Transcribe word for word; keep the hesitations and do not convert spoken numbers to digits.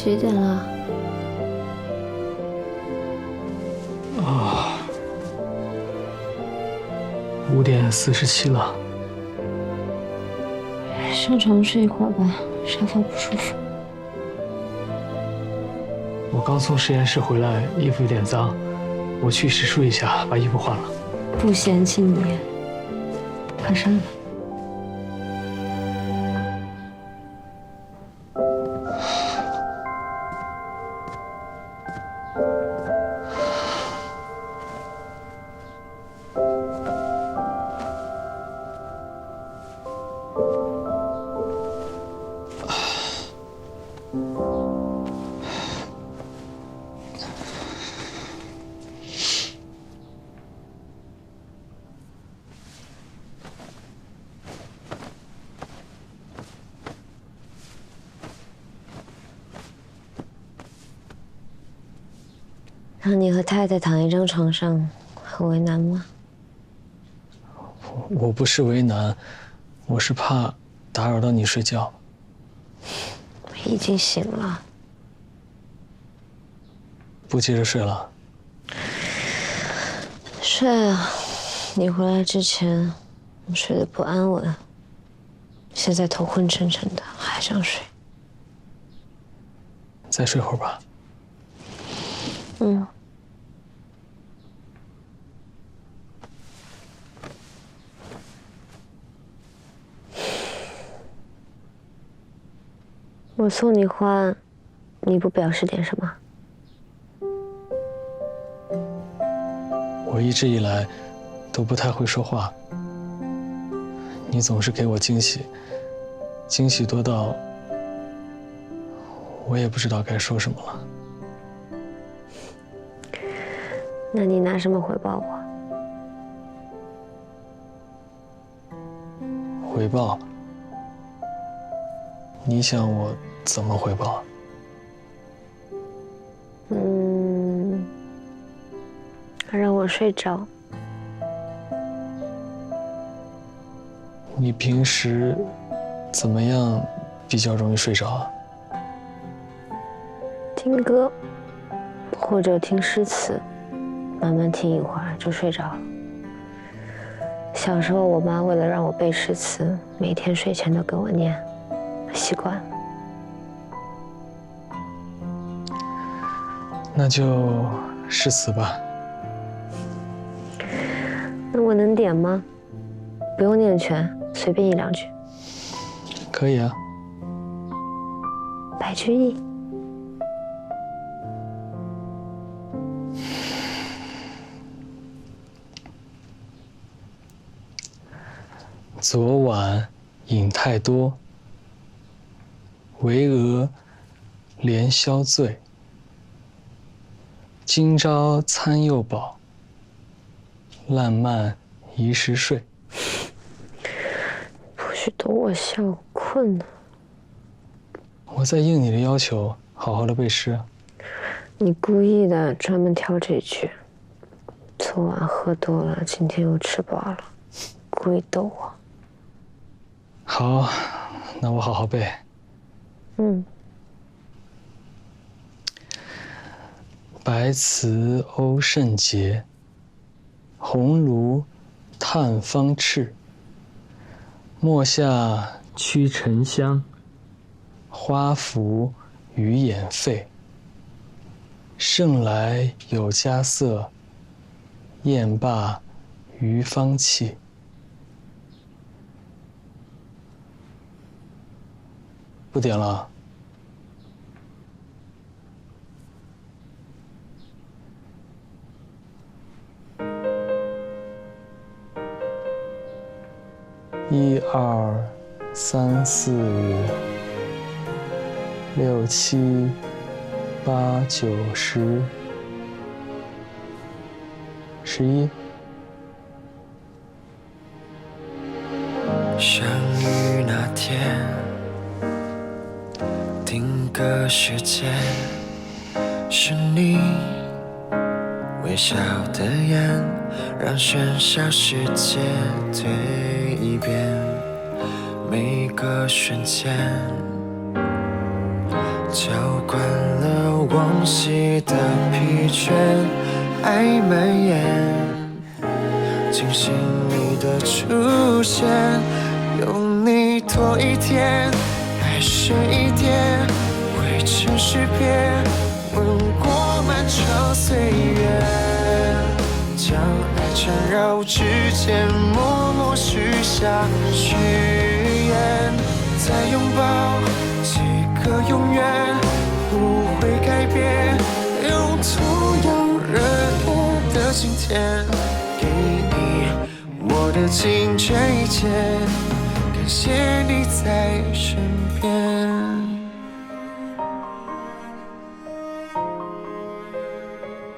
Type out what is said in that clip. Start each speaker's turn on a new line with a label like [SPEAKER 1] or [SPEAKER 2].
[SPEAKER 1] 几点了？
[SPEAKER 2] 啊，五点四十七了。
[SPEAKER 1] 上床睡一会儿吧，沙发不舒服。
[SPEAKER 2] 我刚从实验室回来，衣服有点脏，我去洗漱一下，把衣服换了。
[SPEAKER 1] 不嫌弃你，快上吧。让你和太太躺一张床上，很为难吗？
[SPEAKER 2] 我不是为难，我是怕打扰到你睡觉。
[SPEAKER 1] 已经醒了。
[SPEAKER 2] 不接着睡了？
[SPEAKER 1] 睡啊！你回来之前，我睡得不安稳，现在头昏沉沉的，还想睡。
[SPEAKER 2] 再睡会儿吧。
[SPEAKER 1] 嗯。我送你花，你不表示点什么？
[SPEAKER 2] 我一直以来都不太会说话，你总是给我惊喜，惊喜多到我也不知道该说什么了。
[SPEAKER 1] 那你拿什么回报我？
[SPEAKER 2] 回报？你想我怎么回报？
[SPEAKER 1] 嗯，让我睡着。
[SPEAKER 2] 你平时怎么样比较容易睡着啊？
[SPEAKER 1] 听歌，或者听诗词，慢慢听一会儿就睡着了。小时候，我妈为了让我背诗词，每天睡前都给我念，习惯了。
[SPEAKER 2] 那就诗词吧。
[SPEAKER 1] 那我能点吗？不用念全，随便一两句。
[SPEAKER 2] 可以啊。
[SPEAKER 1] 白居易。
[SPEAKER 2] 昨晚饮太多，惟俄连宵醉。今朝餐又饱，烂漫一时睡。
[SPEAKER 1] 不许逗我笑，我困了。
[SPEAKER 2] 我在应你的要求，好好的背诗。
[SPEAKER 1] 你故意的，专门挑这句。昨晚喝多了，今天又吃饱了，故意逗我。
[SPEAKER 2] 好，那我好好背。
[SPEAKER 1] 嗯。
[SPEAKER 2] 白瓷瓯甚洁，红炉炭方炽。墨下驱尘香，花服余眼废。盛来有佳色，宴罢余芳气。不点了。一二三四五六七八九十十一。
[SPEAKER 3] 相遇那天，定格时间，是你微笑的眼，让喧嚣世界退一遍。每个瞬间， 浇灌了往昔的疲倦，爱蔓延，惊醒你的出现，有你多一天，爱深一点，未曾识别，吻过漫长岁月，将爱缠绕指尖，默默许下许愿，再拥抱几个永远，不会改变，用同样热烈的今天，给你我的尽这一切，感谢你在身边。